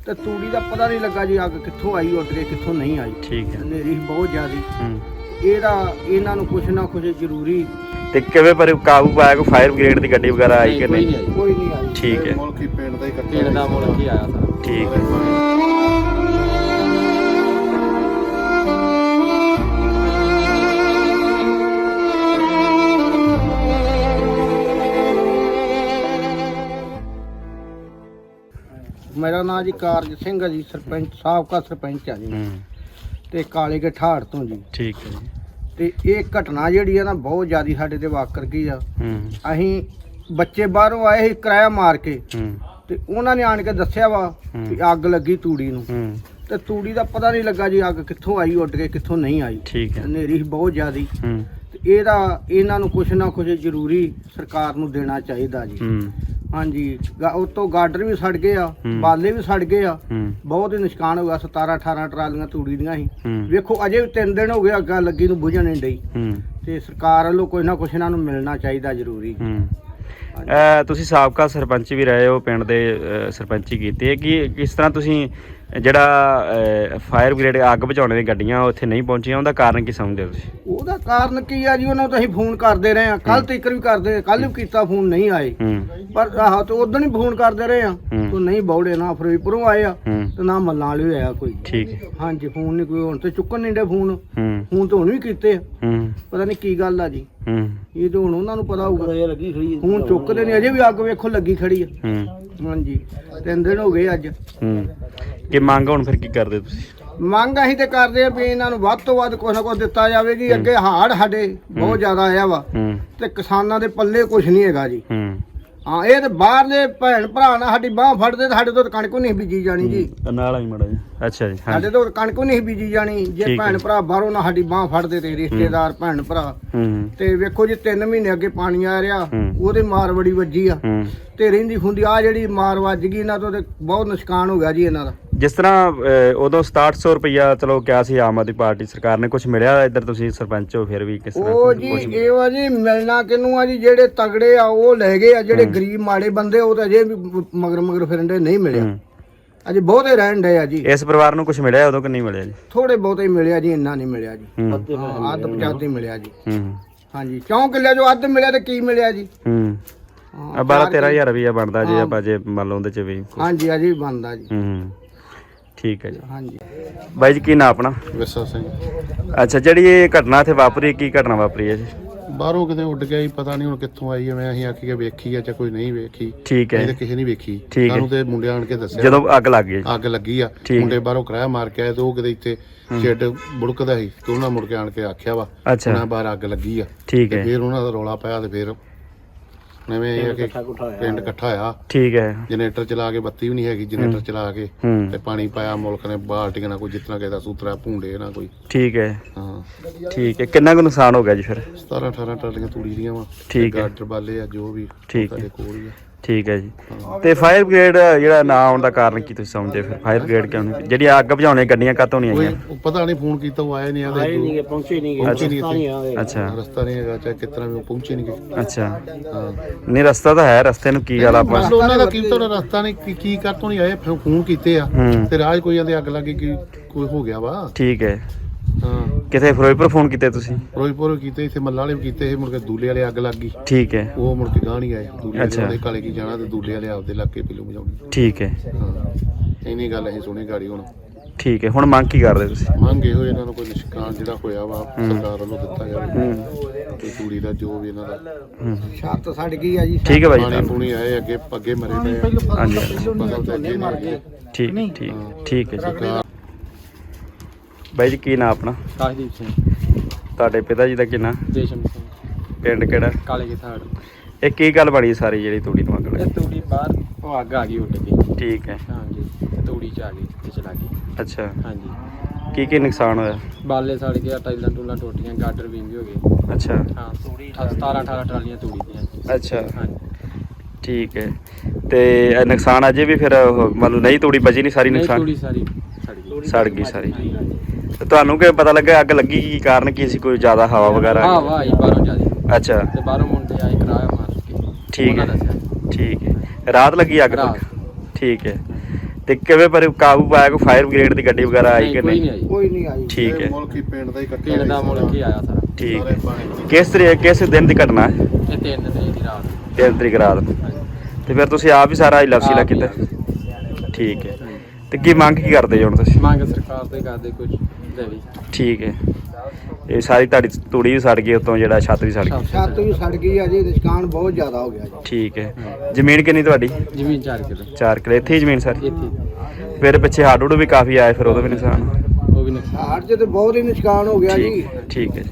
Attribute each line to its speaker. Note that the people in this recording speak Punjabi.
Speaker 1: ਤੇ ਤੂੜੀ ਦਾ ਪਤਾ ਨਹੀਂ ਲੱਗਾ ਜੀ ਅੱਗ ਕਿੱਥੋਂ ਆਈ ਉੱਡ ਕੇ ਕਿੱਥੋਂ ਨਹੀਂ ਆਈ।
Speaker 2: ਠੀਕ ਹੈ।
Speaker 1: ਹਨੇਰੀ ਬਹੁਤ ਜ਼ਿਆਦੀ। ਇਹਨਾਂ ਨੂੰ ਕੁਛ ਨਾ ਕੁਛ ਜ਼ਰੂਰੀ।
Speaker 2: ਤੇ ਕਿਵੇਂ ਪਰ ਕਾਬੂ ਪਾਇਆ? ਕੋਈ ਫਾਇਰ ਬ੍ਰਿਗੇਡ ਦੀ ਗੱਡੀ ਵਗੈਰਾ ਆਈ ਕਿ ਨਹੀਂ?
Speaker 1: ਕੋਈ ਨਹੀਂ ਆਈ।
Speaker 2: ਠੀਕ ਹੈ।
Speaker 3: ਮੁਲਕੀ ਪਿੰਡ ਦਾ ਹੀ
Speaker 4: ਪਿੰਡ ਦਾ ਮੁਲਕ ਹੀ ਆਇਆ ਸਾਰਾ।
Speaker 2: ਠੀਕ ਹੈ।
Speaker 1: ਮੇਰਾ ਨਾਮ ਜੀ ਕਾਰਜ ਸਿੰਘ ਹੈ ਜੀ, ਸਰਪੰਚ ਸਾਬਕਾ ਸਰਪੰਚ ਆ ਜੀ ਤੇ ਕਾਲੇ ਕੇ ਠਾੜ ਤੋਂ ਜੀ।
Speaker 2: ਠੀਕ ਹੈ ਜੀ।
Speaker 1: ਤੇ ਇਹ ਘਟਨਾ ਜਿਹੜੀ ਆ ਨਾ ਬਹੁਤ ਜ਼ਿਆਦੀ ਸਾਡੇ ਤੇ ਵਾਕਰ ਗਈ ਆ। ਅਸੀਂ ਬੱਚੇ ਬਾਹਰੋਂ ਆਏ ਸੀ ਕਿਰਾਇਆ ਮਾਰ ਕੇ ਤੇ ਉਹਨਾਂ ਨੇ ਆਣ ਕੇ ਦੱਸਿਆ ਵਾ ਕਿ ਅੱਗ ਲੱਗੀ ਤੂੜੀ ਨੂੰ। ਤੇ ਤੂੜੀ ਦਾ ਪਤਾ ਨਹੀਂ ਲੱਗਾ ਜੀ ਅੱਗ ਕਿੱਥੋਂ ਆਈ ਉੱਡ ਕੇ ਕਿੱਥੋਂ ਨਹੀਂ ਆਈ।
Speaker 2: ਠੀਕ ਹੈ।
Speaker 1: ਹਨੇਰੀ ਬਹੁਤ ਜ਼ਿਆਦੀ। ਤੇ ਇਹਨਾਂ ਨੂੰ ਕੁਛ ਨਾ ਕੁਛ ਜ਼ਰੂਰੀ ਸਰਕਾਰ ਨੂੰ ਦੇਣਾ ਚਾਹੀਦਾ ਜੀ। ਹਾਂਜੀ, ਉਤੋਂ ਗਾਡਰ ਵੀ ਸੜ ਗਏ ਆ, ਬਾਲੇ ਵੀ ਸੜ ਗਏ ਆ, ਬਹੁਤ ਹੀ ਨੁਕਸਾਨ ਹੋ ਗਿਆ। 17-18 ਟਰਾਲੀਆਂ ਤੂੜੀ ਦੀਆਂ ਸੀ। ਵੇਖੋ ਅਜੇ ਵੀ 3 ਦਿਨ ਹੋ ਗਏ ਅੱਗਾਂ ਲੱਗੀ ਨੂੰ ਬੁਝਣ ਨਹੀਂ ਡਈ। ਤੇ ਸਰਕਾਰ ਵੱਲੋਂ ਕੁਛ ਨਾ ਕੁਛ ਇਹਨਾਂ ਨੂੰ ਮਿਲਣਾ ਚਾਹੀਦਾ ਜ਼ਰੂਰੀ।
Speaker 2: ਤੁਸੀਂ ਸਾਬਕਾ ਸਰਪੰਚ ਵੀ ਰਹੇ ਹੋ, ਪਿੰਡ ਦੇ ਸਰਪੰਚੀ ਕੀਤੀ ਹੈ। ਕਿ ਕਿਸ ਤਰ੍ਹਾਂ ਤੁਸੀਂ ਜਿਹੜਾ ਫਾਇਰ ਬ੍ਰਿਗੇਡ ਅੱਗ ਬੁਝਾਉਣ ਦੀਆਂ ਗੱਡੀਆਂ ਉੱਥੇ ਨਹੀਂ ਪਹੁੰਚੀਆਂ, ਉਹਦਾ ਕਾਰਨ ਕੀ ਸਮਝਦੇ ਹੋ ਤੁਸੀਂ?
Speaker 1: ਉਹਦਾ ਕਾਰਨ ਕੀ ਆ ਜੀ, ਉਹਨਾਂ ਨੂੰ ਤਾਂ ਅਸੀਂ ਫੋਨ ਕਰਦੇ ਰਹੇ ਆ, ਕੱਲ ਤੱਕ ਵੀ ਕਰਦੇ, ਕੱਲ ਵੀ ਕੀਤਾ ਫੋਨ, ਨਹੀਂ ਆਏ। ਪਰ ਆਹ ਤੇ ਉਦੋਂ ਹੀ ਫੋਨ ਕਰਦੇ ਰਹੇ ਆ ਤੇ ਨਹੀਂ ਬੌੜੇ, ਨਾ ਫਿਰੋਜ਼ਪੁਰੋਂ ਆਏ ਆ ਤੇ ਨਾ ਮੱਲਾਂ ਵਾਲੇ ਆਇਆ ਕੋਈ।
Speaker 2: ਠੀਕ ਹੈ।
Speaker 1: ਹਾਂਜੀ, ਫੋਨ ਨਹੀਂ ਕੋਈ, ਹੁਣ ਤੇ ਚੁੱਕਣ ਨਹੀਂ ਡੇ ਫੋਨ ਤਾਂ ਹੁਣ ਵੀ ਕੀਤੇ ਆ, ਪਤਾ ਨਹੀਂ ਕੀ ਗੱਲ ਆ ਜੀ। ਇਹ ਤਾਂ ਹੁਣ ਉਹਨਾਂ ਨੂੰ ਪਤਾ ਹੋਊਗਾ। ਹੁਣ ਚੁੱਕਦੇ ਨਹੀਂ, ਅਜੇ ਵੀ ਅੱਗ ਵੇਖੋ ਲੱਗੀ ਖੜੀ ਆ। ਹਾਂਜੀ, 3 ਦਿਨ ਹੋ ਗਏ ਅੱਜ।
Speaker 2: ਕਿ ਮੰਗ ਹੁਣ ਫਿਰ ਕੀ ਕਰਦੇ ਤੁਸੀਂ?
Speaker 1: ਮੰਗ ਅਸੀਂ ਤੇ ਕਰਦੇ ਆ ਵੀ ਇਹਨਾਂ ਨੂੰ ਵੱਧ ਤੋਂ ਵੱਧ ਕੁਛ ਨਾ ਕੁਛ ਦਿੱਤਾ ਜਾਵੇ ਜੀ। ਅੱਗੇ ਹਾੜ ਸਾਡੇ ਬਹੁਤ ਜ਼ਿਆਦਾ ਆਇਆ ਵਾ ਤੇ ਕਿਸਾਨਾਂ ਦੇ ਪੱਲੇ ਕੁਛ ਨਹੀਂ ਹੈਗਾ ਜੀ। ਹਾਂ, ਇਹ ਤੇ ਬਾਹਰਲੇ ਭੈਣ ਭਰਾ ਨਾਲ ਸਾਡੀ ਬਾਂਹ ਫੜਦੇ ਤੇ ਸਾਡੇ ਤੋਂ ਕਣਕ ਨਹੀਂ ਬੀਜੀ ਜਾਣੀ ਜੀ।
Speaker 2: ਨਾਲ ਆਈ ਮੜਾ ਜੀ। ਅੱਛਾ ਜੀ।
Speaker 1: ਸਾਡੇ ਤੋਂ ਕਣਕ ਨਹੀਂ ਬੀਜੀ ਜਾਣੀ ਜੇ ਭੈਣ ਭਰਾ ਬਾਹਰੋਂ ਨਾ ਸਾਡੀ ਬਾਂਹ ਫੜਦੇ ਤੇ ਰਿਸ਼ਤੇਦਾਰ ਭੈਣ ਭਰਾ। ਤੇ ਵੇਖੋ ਜੀ 3 ਮਹੀਨੇ ਅੱਗੇ ਪਾਣੀ ਆ ਰਿਹਾ, ਉਹਦੇ ਮਾਰ ਬੜੀ ਵੱਜੀ ਆ ਤੇ ਰਹਿੰਦੀ ਖੁੰਦੀ ਆ ਜਿਹੜੀ ਮਾਰ ਵੱਜ ਗਈ ਇਹਨਾਂ ਤੋਂ ਤੇ ਬਹੁਤ ਨੁਕਸਾਨ ਹੋ ਗਿਆ ਜੀ ਇਹਨਾਂ ਦਾ।
Speaker 2: ਜਿਸ ਤਰ੍ਹਾਂ ਉਦੋਂ 6700 ਰੁਪਇਆ ਚਲੋ ਕਿਹਾ ਸੀ ਆਮ ਆਦਮੀ ਪਾਰਟੀ ਸਰਕਾਰ ਨੇ, ਕੁਝ ਮਿਲਿਆ? ਇੱਧਰ ਤੁਸੀਂ ਸਰਪੰਚ ਹੋ ਫਿਰ ਵੀ ਕਿਸ ਤਰ੍ਹਾਂ?
Speaker 1: ਉਹ ਜੀ ਇਹ ਵਾ ਜੀ, ਮਿਲਣਾ ਕਿਹਨੂੰ ਆ ਜੀ? ਜਿਹੜੇ ਤਗੜੇ ਆ ਉਹ ਲੈ ਗਏ ਆ, ਜਿਹੜੇ ਗਰੀਬ ਮਾੜੇ ਬੰਦੇ ਉਹ ਤਾਂ ਅਜੇ ਵੀ ਮਗਰ ਫਿਰਨ ਦੇ, ਨਹੀਂ ਮਿਲਿਆ ਅਜੇ। ਬਹੁਤੇ ਰਹਿਣ ਡਏ ਆ ਜੀ।
Speaker 2: ਇਸ ਪਰਿਵਾਰ ਨੂੰ ਕੁਝ ਮਿਲਿਆ ਉਦੋਂ ਕਿ ਨਹੀਂ ਮਿਲਿਆ ਜੀ?
Speaker 1: ਥੋੜੇ ਬਹੁਤੇ ਮਿਲਿਆ ਜੀ, ਇੰਨਾ ਨਹੀਂ ਮਿਲਿਆ ਜੀ। ਅੱਧ ਪਚਾਤੀ ਮਿਲਿਆ ਜੀ। ਹਾਂਜੀ, 4 ਕਿੱਲੇ ਜੋ ਅੱਧ ਮਿਲਿਆ ਤੇ ਕੀ ਮਿਲਿਆ ਜੀ?
Speaker 2: 12-13 ਹਜ਼ਾਰ ਰੁਪਇਆ ਬਣਦਾ ਜੀ ਆਪਾਂ ਜੇ ਮੰਨ ਲਓ ਉਹਦੇ ਚ ਵੀ।
Speaker 1: ਹਾਂਜੀ, ਅਜੇ ਵੀ ਬਣਦਾ ਜੀ।
Speaker 2: ਠੀਕ ਹੈ ਜੀ।
Speaker 1: ਹਾਂਜੀ
Speaker 2: ਬਾਈ ਜੀ, ਕੀ ਨਾਂ ਆਪਣਾ?
Speaker 3: ਵਿਸਾ ਸਿੰਘ।
Speaker 2: ਅੱਛਾ, ਜਿਹੜੀ ਇਹ ਘਟਨਾ ਇੱਥੇ ਵਾਪਰੀ, ਕੀ ਘਟਨਾ ਵਾਪਰੀ ਹੈ ਜੀ?
Speaker 3: ਬਾਹਰੋਂ ਕਿਤੇ ਉੱਡ ਗਿਆ ਹੀ, ਪਤਾ ਨਹੀਂ ਹੁਣ ਕਿੱਥੋਂ ਆਈ ਹੈ। ਮੈਂ ਅਸੀਂ ਆਖੀ ਵੇਖੀ ਆ ਜਾਂ ਕੋਈ ਨਹੀਂ ਵੇਖੀ।
Speaker 2: ਠੀਕ ਹੈ।
Speaker 3: ਇਹ ਕਿਸੇ ਨਹੀਂ ਵੇਖੀ।
Speaker 2: ਠੀਕ ਹੈ।
Speaker 3: ਸਾਨੂੰ ਤੇ ਮੁੰਡੇ ਆਣ ਕੇ ਦੱਸਿਆ
Speaker 2: ਜਦੋਂ ਅੱਗ ਲੱਗ ਗਈ।
Speaker 3: ਅੱਗ ਲੱਗੀ ਆ, ਮੁੰਡੇ ਬਾਹਰੋਂ ਕਿਰਾਇਆ ਮਾਰ ਕੇ ਆਏ ਤੇ ਉਹ ਕਿਤੇ ਇੱਥੇ ਛੇਟ ਬੁੜਕਦਾ ਸੀ ਤੇ ਉਹਨਾਂ ਮੁੜ ਕੇ ਆਣ ਕੇ ਆਖਿਆ ਵਾ ਉਹਨਾਂ ਬਾਹਰ ਅੱਗ ਲੱਗੀ ਆ।
Speaker 2: ਠੀਕ ਹੈ।
Speaker 3: ਫਿਰ ਉਹਨਾਂ ਦਾ ਰੌਲਾ ਪਾਇਆ ਤੇ ਫਿਰ ਨਵੇਂ ਇਹ ਕਿ ਪਿੰਡ ਇਕੱਠਾ ਹੋਇਆ।
Speaker 2: ਠੀਕ ਹੈ।
Speaker 3: ਜਨਰੇਟਰ ਚਲਾ ਕੇ, ਬੱਤੀ ਵੀ ਨਹੀਂ ਹੈਗੀ, ਜਨਰੇਟਰ ਚਲਾ ਕੇ ਤੇ ਪਾਣੀ ਪਾਇਆ ਮੁਲਕ ਨੇ, ਬਾਲਟੀਆਂ ਨਾਲ ਕੋਈ ਜਿਤਨਾ ਕਿਸੇ ਦਾ ਸੂਤਰਾ ਭੂੰਡੇ ਨਾ ਕੋਈ।
Speaker 2: ਠੀਕ ਹੈ।
Speaker 3: ਹਾਂ,
Speaker 2: ਠੀਕ ਹੈ। ਕਿੰਨਾ ਕੁ ਨੁਕਸਾਨ ਹੋ ਗਿਆ ਜੀ ਫਿਰ?
Speaker 3: 17-18 ਟਰਾਲੀਆਂ ਤੂੜੀ ਦੀਆਂ ਵਾ।
Speaker 2: ਠੀਕ ਹੈ।
Speaker 3: ਗਾਡਰ ਬਾਲੇ ਆ ਜੋ ਵੀ ਸਾਡੇ ਕੋਲ ਹੀ ਆ।
Speaker 2: ਠੀਕ ਹੈ ਜੀ। ਤੇ ਫਾਇਰ ਬ੍ਰਿਗੇਡ ਜਿਹੜਾ ਨਾ ਆਉਣ ਦਾ ਕਾਰਨ ਕੀ ਤੁਸੀਂ ਸਮਝਦੇ? ਫਿਰ ਫਾਇਰ ਬ੍ਰਿਗੇਡ ਕਿਉਂ ਨਹੀਂ? ਜਿਹੜੀ ਅੱਗ ਬੁਝਾਉਣੇ ਗੱਡੀਆਂ ਕਾਹਤੋਂ ਨਹੀਂ ਆਈਆਂ?
Speaker 3: ਪਤਾ ਨਹੀਂ, ਫੋਨ ਕੀਤਾ ਉਹ ਆਏ ਨਹੀਂ, ਆਦੇ
Speaker 1: ਪਹੁੰਚੇ ਨਹੀਂ
Speaker 2: ਅੱਛਾ,
Speaker 3: ਰਸਤਾ ਨਹੀਂ ਹੈਗਾ, ਚਾਹੇ ਕਿਤਨਾ ਵੀ ਉਹ ਪਹੁੰਚੇ ਨਹੀਂ ਗਏ।
Speaker 2: ਅੱਛਾ।
Speaker 3: ਹਾਂ,
Speaker 2: ਨਹੀਂ ਰਸਤਾ ਤਾਂ ਹੈ, ਰਸਤੇ ਨੂੰ ਕੀ ਗੱਲ ਆਪਾਂ?
Speaker 3: ਉਹਨਾਂ ਦਾ ਕੀ ਤਾਂ ਰਸਤਾ ਨਹੀਂ, ਕੀ ਕਰ ਤੋਂ ਨਹੀਂ ਆਏ। ਫੋਨ ਕੀਤੇ ਆ ਤੇ ਰਾਜ ਕੋਈ ਜਾਂਦੇ ਅੱਗ ਲੱਗੀ ਕਿ ਕੋਈ ਹੋ ਗਿਆ ਵਾ।
Speaker 2: ਠੀਕ ਹੈ।
Speaker 3: ਹਾਂ,
Speaker 2: ਕਿਥੇ ਫਿਰੋਜ਼ਪੁਰ ਫੋਨ ਕੀਤੇ ਤੁਸੀਂ?
Speaker 3: ਫਿਰੋਜ਼ਪੁਰ ਕੀਤੇ, ਇੱਥੇ ਮੱਲਾ ਵਾਲੇ ਵੀ ਕੀਤੇ ਸੀ, ਮੁੜ ਕੇ ਦੂਲੇ ਵਾਲੇ ਅੱਗ ਲੱਗ ਗਈ।
Speaker 2: ਠੀਕ ਹੈ।
Speaker 3: ਉਹ ਮੁੜ ਕੇ ਗਾਂ ਨਹੀਂ ਆਏ। ਦੂਲੇ ਵਾਲੇ ਕਾਲੇ ਕੀ ਜਾਣਾ ਤੇ ਦੂਲੇ ਵਾਲੇ ਆਪਦੇ ਇਲਾਕੇ ਪੀਲੂ ਵਜਾਉਣੀ।
Speaker 2: ਠੀਕ ਹੈ।
Speaker 3: ਹਾਂ, ਇੰਨੀ ਗੱਲ ਅਸੀਂ ਸੁਣੀ ਗਾੜੀ ਹੁਣ।
Speaker 2: ਠੀਕ ਹੈ। ਹੁਣ ਮੰਗ ਕੀ ਕਰਦੇ ਤੁਸੀਂ?
Speaker 3: ਮੰਗੇ ਹੋਏ ਇਹਨਾਂ ਨੂੰ ਕੋਈ ਨਿਸ਼ਕਾਨ ਜਿਹੜਾ ਹੋਇਆ ਵਾ ਸਰਕਾਰ ਵੱਲੋਂ ਦਿੱਤਾ ਜਾਵੇ ਤੇ ਤੂੜੀ ਦਾ ਜੋ ਵੀ ਇਹਨਾਂ ਦਾ।
Speaker 1: ਛੱਤ ਸੜ ਗਈ ਆ ਜੀ।
Speaker 2: ਠੀਕ ਹੈ ਬਾਈ।
Speaker 3: ਪਾਣੀ ਪੂਣੀ ਆਏ ਅੱਗੇ ਮਰੇ ਪਏ।
Speaker 2: ਹਾਂਜੀ,
Speaker 3: ਫਸਲ ਤਾਂ ਅੱਗੇ ਮਰ ਗਈ।
Speaker 2: ਠੀਕ ਠੀਕ ਹੈ ਜੀ। ਬਾਈ ਜੀ, ਕੀ ਨਾਂ ਆਪਣਾ?
Speaker 4: ਕਾਸ਼ਦੀਪ ਸਿੰਘ।
Speaker 2: ਤੁਹਾਡੇ ਪਿਤਾ ਜੀ ਦਾ ਕੀ ਨਾਂ?
Speaker 4: ਜੇਸ਼ਮ ਸਿੰਘ।
Speaker 2: ਪਿੰਡ ਕਿਹੜਾ?
Speaker 4: ਕਾਲੇ ਕੇ ਥਾੜ।
Speaker 2: ਇਹ ਕੀ ਗੱਲ ਬਣੀ ਸਾਰੀ ਜਿਹੜੀ ਤੂੜੀ ਨੂੰ ਅੱਗ ਲੱਗੀ?
Speaker 4: ਇਹ ਤੂੜੀ ਬਾਹਰ ਉਹ ਅੱਗ ਆ ਗਈ ਉੱਡ ਕੇ।
Speaker 2: ਠੀਕ ਹੈ।
Speaker 4: ਹਾਂਜੀ, ਤੂੜੀ ਚ ਆ ਗਈ ਤੇ ਚਲਾ ਗਈ।
Speaker 2: ਅੱਛਾ।
Speaker 4: ਹਾਂਜੀ।
Speaker 2: ਕੀ ਨੁਕਸਾਨ ਹੋਇਆ?
Speaker 4: ਬਾਲੇ ਸੜ ਗਿਆ, ਟਾਈਲਾਂ ਟੂਲਾਂ ਟੁੱਟੀਆਂ, ਗਾਡਰ ਵਿੰਗ ਹੋ ਗਏ।
Speaker 2: ਅੱਛਾ।
Speaker 4: ਹਾਂ, 17-18 ਟਰਾਲੀਆਂ ਤੂੜੀ ਦੀਆਂ।
Speaker 2: ਅੱਛਾ।
Speaker 4: ਹਾਂਜੀ।
Speaker 2: ਠੀਕ ਹੈ। ਤੇ ਇਹ ਨੁਕਸਾਨ ਅਜੇ ਵੀ ਫਿਰ ਮੰਨ ਲਓ ਨਹੀਂ ਤੂੜੀ ਬਚੀ ਨਹੀਂ ਸਾਰੀ? ਨੁਕਸਾਨ
Speaker 4: ਤੂੜੀ ਸਾਰੀ
Speaker 2: ਸੜ ਗਈ ਸਾਰੀ। ਤੇ ਤੁਹਾਨੂੰ ਕੀ ਪਤਾ ਲੱਗਾ ਅੱਗ ਲੱਗੀ? ਕੀ ਕਾਰਨ ਕੀ ਸੀ? ਕੋਈ ਜ਼ਿਆਦਾ ਹਵਾ ਵਗੈਰਾ?
Speaker 4: ਹਵਾ ਆਈ ਬਾਹਰੋਂ ਜ਼ਿਆਦਾ।
Speaker 2: ਅੱਛਾ।
Speaker 4: ਤੇ ਬਾਹਰੋਂ ਮੁੰਡੇ ਆਏ ਕਿਰਾਇਆ ਮਾਰ ਕੇ।
Speaker 2: ਠੀਕ ਹੈ। ਠੀਕ ਹੈ। ਰਾਤ ਲੱਗੀ ਅੱਗ? ਠੀਕ ਹੈ। ਤੇ ਕਿਵੇਂ ਪਰ ਕਾਬੂ ਪਾਇਆ? ਕੋਈ ਫਾਇਰ ਬ੍ਰਿਗੇਡ ਦੀ ਗੱਡੀ ਵਗੈਰਾ ਆਈ ਕਿ
Speaker 4: ਕੋਈ
Speaker 2: ਨਹੀਂ?
Speaker 4: ਨਹੀਂ ਆਈ।
Speaker 1: ਕੋਈ ਨਹੀਂ ਆਈ।
Speaker 2: ਠੀਕ
Speaker 3: ਇਹ
Speaker 2: ਹੈ,
Speaker 3: ਮੁਲਕ ਹੀ ਪਿੰਡ ਦਾ ਹੀ ਇਕੱਠਾ
Speaker 4: ਪਿੰਡ ਦਾ ਮੁਲਕ ਹੀ ਆਇਆ ਸਾਰਾ।
Speaker 2: ਠੀਕ
Speaker 3: ਸਾਰੇ
Speaker 2: ਹੈ।
Speaker 3: ਪਾਣੀ
Speaker 2: ਕਿਸ ਦਿਨ ਦੀ ਘਟਨਾ ਹੈ?
Speaker 4: ਇਹ 3 ਤਰੀਕ ਦੀ ਰਾਤ
Speaker 2: 3 ਤਰੀਕ ਰਾਤ ਨੂੰ। ਤੇ ਫਿਰ ਤੁਸੀਂ ਆਪ ਹੀ ਸਾਰਾ ਇਲਾਫ
Speaker 4: ਆਪ ਹੀ
Speaker 2: ਕੀਤਾ?
Speaker 4: ਆ।
Speaker 2: ਠੀਕ ਹੈ। ਤੇ ਕੀ ਮੰਗ ਕੀ ਕਰਦੇ ਜੀ ਹੁਣ ਤੁਸੀਂ?
Speaker 4: ਮੰਗ ਸਰਕਾਰ ਤੋਂ ਹੀ ਕਰਦੇ ਕੁਝ ਦੇਵੀ।
Speaker 2: ਠੀਕ ਹੈ। ਇਹ ਸਾਰੀ ਤੁਹਾਡੀ ਤੂੜੀ ਵੀ ਸੜ ਗਈ, ਉਤੋਂ ਜਿਹੜਾ ਛੱਤ ਵੀ ਸੜ ਗਈ।
Speaker 1: ਛੱਤ ਵੀ ਸੜ ਗਈ ਆ ਜੀ, ਨੁਕਸਾਨ ਬਹੁਤ ਜ਼ਿਆਦਾ ਹੋ ਗਿਆ ਜੀ।
Speaker 2: ਠੀਕ ਹੈ। ਜ਼ਮੀਨ ਕਿੰਨੀ ਤੁਹਾਡੀ?
Speaker 4: ਜ਼ਮੀਨ 4 ਕਿਲੋ
Speaker 2: 4 ਕਿੱਲੇ। ਇੱਥੇ ਹੀ ਜ਼ਮੀਨ ਸਾਰੀ?
Speaker 4: ਇੱਥੇ
Speaker 2: ਫਿਰ ਪਿੱਛੇ ਹੜ੍ਹ ਹੁੜ੍ਹ ਵੀ ਕਾਫੀ ਆਏ, ਫਿਰ ਉਹਦਾ ਵੀ ਨੁਕਸਾਨ?
Speaker 4: ਉਹ ਵੀ ਨੁਕਸਾਨ।
Speaker 1: ਹਾੜ 'ਚ ਤੇ ਬਹੁਤ ਹੀ ਨੁਕਸਾਨ ਹੋ ਗਿਆ ਜੀ।
Speaker 2: ਠੀਕ ਹੈ।